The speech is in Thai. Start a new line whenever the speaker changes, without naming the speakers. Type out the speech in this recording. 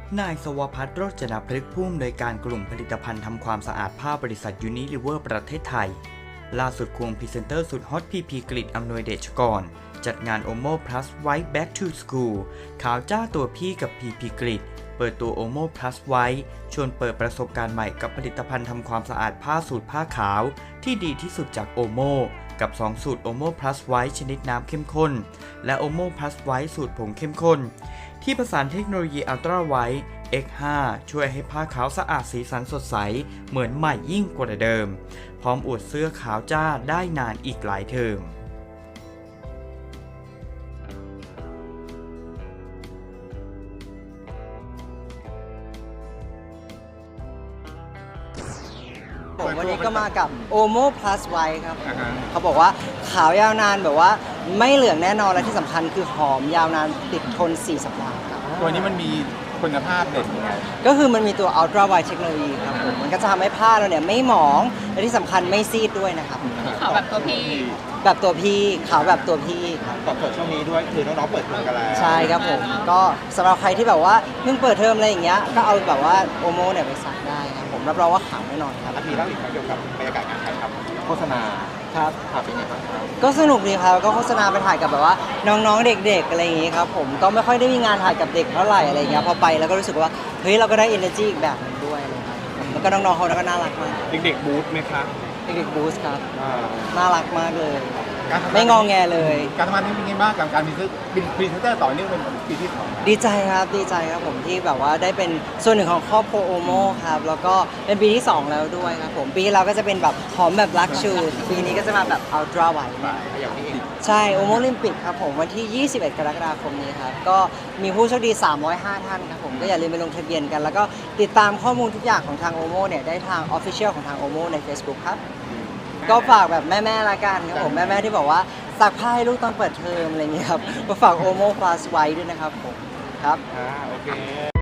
นายสวภัทร โรจนพฤกษ์ผู้อำนวยการกลุ่มผลิตภัณฑ์ทำความสะอาดผ้าบริษัทยูนิลิเวอร์ประเทศไทยล่าสุดควงพรีเซนเตอร์สุดฮอตพีพีกฤษอำนวยเดชกรจัดงาน Omo Plus White Back to School ขาวจ้าตัวพี่กับพีพีกฤษเปิดตัว Omo Plus White ชวนเปิดประสบการณ์ใหม่กับผลิตภัณฑ์ทำความสะอาดผ้าสูตรผ้าขาวที่ดีที่สุดจาก Omo กับ 2 สูตร Omo Plus White ชนิดน้ำเข้มข้นและ Omo Plus White สูตรผงเข้มข้นที่ผสานเทคโนโลยี Ultra White X5 ช่วยให้ผ้าขาวสะอาดสีสันสดใสเหมือนใหม่ยิ่งกว่าเดิมพร้อมอวดเสื้อขาวจ้าได้นานอีกหลายเทอม
วันนี้ก็มากับ Omo Plus White ครับเขาบอกว่าขาวยาวนานแบบว่าไม่เหลืองแน่นอนและที่สำคัญคือหอมยาวนานติดทน4 สัปดาห์ครับ
ตัวนี้มันมีคุณภาพเด่นยังไง
ก็คือมันมีตัว Ultra White Technology ครับผมมันก็จะทำให้ผ้าเราเนี่ยไม่หมองและที่สำคัญไม่ซีดด้วยนะครับ
ขาวแบบตัวพี่
แบบตัวพี่ขาวแบบตัวพี่ครับ
ตอบโจทย์ช่วงนี้ด้วยคือน้องๆเปิดเทอมกันแล้ว
ใช่ครับผมก็สำหรับใครที่แบบว่าเพิ่งเปิดเทอมอะไรอย่างเงี้ยก็เอาแบบว่า Omo เนี่ยไปซักได้ครับผมรับรองว่าขาวแน่นอนครับ
มีเล่าอีกครั้งเกี่ยวกับบรรยากาศการถ่ายทำโฆษณา
ครับ
เป็นไงบ้างครับ
ก็สนุกดีครับก็โฆษณาไปถ่ายกับแบบว่าน้องๆเด็กๆอะไรอย่างงี้ครับผมก็ไม่ค่อยได้มีงานถ่ายกับเด็กเท่าไหร่อะไรเงี้ยพอไปแล้วก็รู้สึกว่าเฮ้ยเราก็ได้ energy อีกแบบนึงด้วยอะไรครับแล้วก็น้องๆเขาก็น่ารักมาก
เด็กๆบูธไหมครับ
เด็กๆบูสครับน่ารักมากเลย
ไม่
งอแงเลย
การทำงานนี้เป็นไงบ้างกับการมีพรีเซนเตอร์ต่อเนื่องเป็นปีที่2
ดีใจครับผมที่แบบว่าได้เป็นส่วนหนึ่งของครอบครัวโอโมครับแล้วก็เป็นปีที่2แล้วด้วยครับผมปีที่แล้วก็จะเป็นแบบหอมแบบลักชูปีนี้ก็จะมาแบบอัลตร้าไวท์
อย่างนี้เอง
ใช่โอโมลิมปิกครับผมวันที่ 21 กรกฎาคมนี้ครับก็มีผู้โชคดี305 ท่านครับผมก็อย่าลืมไปลงทะเบียนกันแล้วก็ติดตามข้อมูลทุกอย่างของทางโอโมเนี่ยได้ทาง Official ของทางโอโมใน Facebook ครับก็ฝากแบบแม่ๆละกันครับผมแม่ๆที่บอกว่าซักผ้าให้ลูกตอนเปิดเทอมอะไรอย่างเงี้ยครับก็ฝาก Omo Plus ไว้ด้วยนะครับผมครับ
โอเค